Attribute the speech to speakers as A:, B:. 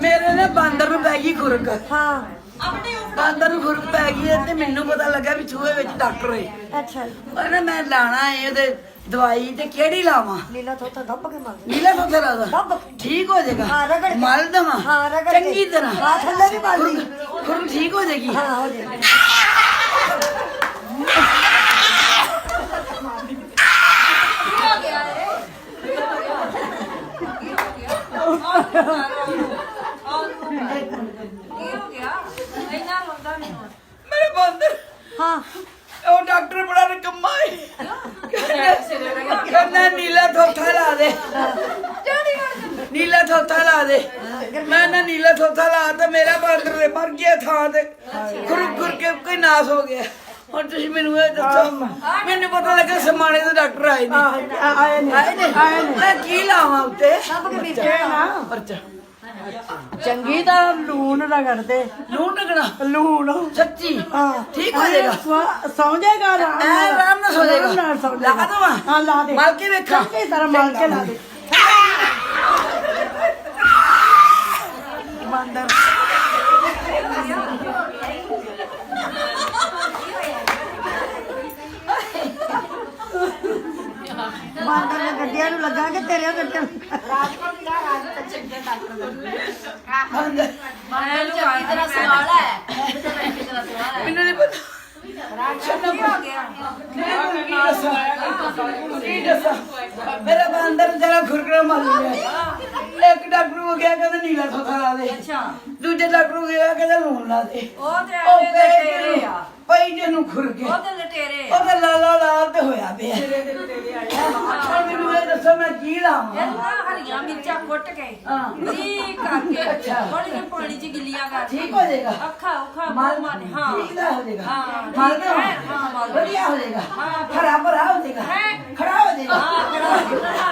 A: ਮੇਰੇ ਨਾ ਬਾਂਦਰ ਨੂੰ ਪੈ ਗਈ ਖੁਰਕ।
B: ਹਾਂ
A: ਬਾਂਦਰ ਨੂੰ ਖੁਰਕ ਪੈ ਗਈ ਹੈ ਤੇ ਮੈਨੂੰ ਪਤਾ ਲੱਗਾ ਵੀ ਚੂਹੇ ਵਿੱਚ ਡਾਕਟਰ ਹੈ।
B: ਅੱਛਾ
A: ਉਹਨੇ ਮੈਂ ਲਾਣਾ ਹੈ ਉਹਦੇ ਦਵਾਈ ਤੇ ਕਿਹੜੀ ਲਾਵਾਂ?
B: ਲੀਲਾ ਤੋਂ ਤਾਂ ਦੱਬ ਕੇ ਮਰ
A: ਨੀਲਾ ਪੱਥਰ ਆਦਾ
B: ਦੱਬ
A: ਠੀਕ ਹੋ ਜਾਏਗਾ।
B: ਹਾਂ, ਰਗੜ ਕੇ।
A: ਮਲ ਦਵਾਂ
B: ਹਾਂ, ਰਗੜ ਕੇ।
A: ਚੰਗੀ ਤਰ੍ਹਾਂ।
B: ਹਾਂ, ਥੱਲੇ ਵੀ ਮਲ ਲਈ।
A: ਖੁਰਕ ਠੀਕ ਹੋ ਜਾਏਗੀ।
B: ਹਾਂ ਹੋ ਜਾਏ
A: ਮੇਰੇ ਬਾਂਦਰ
B: ਹਾਂ
A: ਉਹ ਡਾਕਟਰ ਬੜਾ ਨਿਕੰਮਾ ਹੈ। ਕਹਿੰਦਾ ਨੀਲਾ ਥੋਥਾ ਲਾ ਦੇ, ਨੀਲਾ ਥੋਥਾ ਲਾ ਦੇ। ਮੈਂ ਨਾ ਨੀਲਾ ਥੋਥਾ ਲਾ ਤਾਂ ਮੇਰਾ ਬਾਂਦਰ ਮਰ ਗਿਆ ਥਾਂ ਤੇ ਖੁਰ ਖੁਰ ਕੇ ਕੋਈ ਨਾਸ ਹੋ ਗਿਆ। ਹੁਣ ਤੁਸੀਂ ਮੈਨੂੰ ਇਹ ਦੱਸੋ, ਮੈਨੂੰ ਪਤਾ ਲੱਗਾ ਸਮਾਣੇ ਦੇ ਡਾਕਟਰ ਆਏ ਨੇ।
B: ਆਏ ਨੇ
A: ਮੈਂ ਕੀ ਲਾਵਾਂ ਉੱਤੇ?
B: ਦੱਬ ਕੇ ਮਿਰਚੇ ਨਾ
A: ਪਰਚਾ
B: ਚੰਗੀ ਤਰ੍ਹਾਂ ਲੂਣ ਰਗੜਦੇ
A: ਲੂਣ ਲੱਗਣਾ
B: ਲੂਣ
A: ਸੱਚੀ
B: ਹਾਂ
A: ਠੀਕ ਹੋ ਜਾਏਗਾ।
B: ਸੌਂ ਜਾਏਗਾ
A: ਆਰਾਮ ਨਾਲ ਸੌ ਜਾਏਗਾ।
B: ਆਰਾਮ ਨਾਲ ਸੌਂ
A: ਲਾ
B: ਜਾਏਗਾ।
A: ਦਵਾਂ?
B: ਹਾਂ ਲਾ ਦੇ
A: ਮਲ ਕੇ ਵੇਖਾਂ।
B: ਚੰਗੀ ਤਰ੍ਹਾਂ ਮਲ ਕੇ ਲਾ ਦੇ ਬਾਂਦਰ ਬਾਂਦਰ ਨੇ ਗੱਡੀਆਂ ਨੂੰ ਲੱਗਾ ਕਿ ਤੇਰੇ ਗੱਡੀਆਂ ਨੂੰ
A: ਮੈਨੂੰ ਨਹੀਂ ਪਤਾ ਮੇਰਾ ਬਾਂਦਰ ਜਰਾ ਖੁਰਕਣਾ ਮਾਰ ਲਿਆ। ਇੱਕ ਡਾਕਟਰ ਹੋ ਗਿਆ ਕਹਿੰਦਾ ਨੀਲਾ ਥੋਥਾ ਲਾ ਦੇ। ਦੂਜੇ ਡਾਕਟਰ ਹੋ ਗਿਆ ਕਹਿੰਦਾ ਲੂਣ ਲਾ ਦੇ। ਪਈ ਜਿਹਨੂੰ ਖੁਰਕੇ ਉਹਦਾ ਲਾਲਾ ਲਾਲ ਤੇ ਹੋਇਆ ਪਿਆ। ਹੁਣ ਮੈਨੂੰ ਇਹ ਦੱਸੋ ਮੈਂ ਕੀ ਲਾਵਾਂ?
C: ਹਰੀਆਂ ਮਿਰਚਾਂ ਕੁੱਟ ਕੇ
A: ਹਾਂ।
C: ਬਰੀਕ ਕਰਕੇ ਥੋੜੀ ਜਿਹੀ ਪਾਣੀ ਚ ਗਿੱਲੀਆਂ ਕਰ
A: ਠੀਕ ਹੋ ਜਾਏਗਾ।
C: ਅੱਖਾਂ
A: ਮਲ
C: ਮਾਨੇ ਹਾਂ
A: ਠੀਕ ਦਾ ਹੋ ਜਾਏਗਾ।
C: ਹਾਂ,
A: ਮਲ
C: ਠੀਕ ਹੈ, ਹਾਂ, ਮਲ।
A: ਵਧੀਆ ਹੋ ਜਾਏਗਾ।
C: ਹਾਂ।
A: ਖਰਾ ਭਰਾ ਹੋ ਜਾਏਗਾ।
C: ਹੈਂ?
A: ਖੜਾ ਹੋ ਜਾਏਗਾ।
C: ਹਾਂ, ਖੜਾ ਹੋ ਜਾਏਗਾ।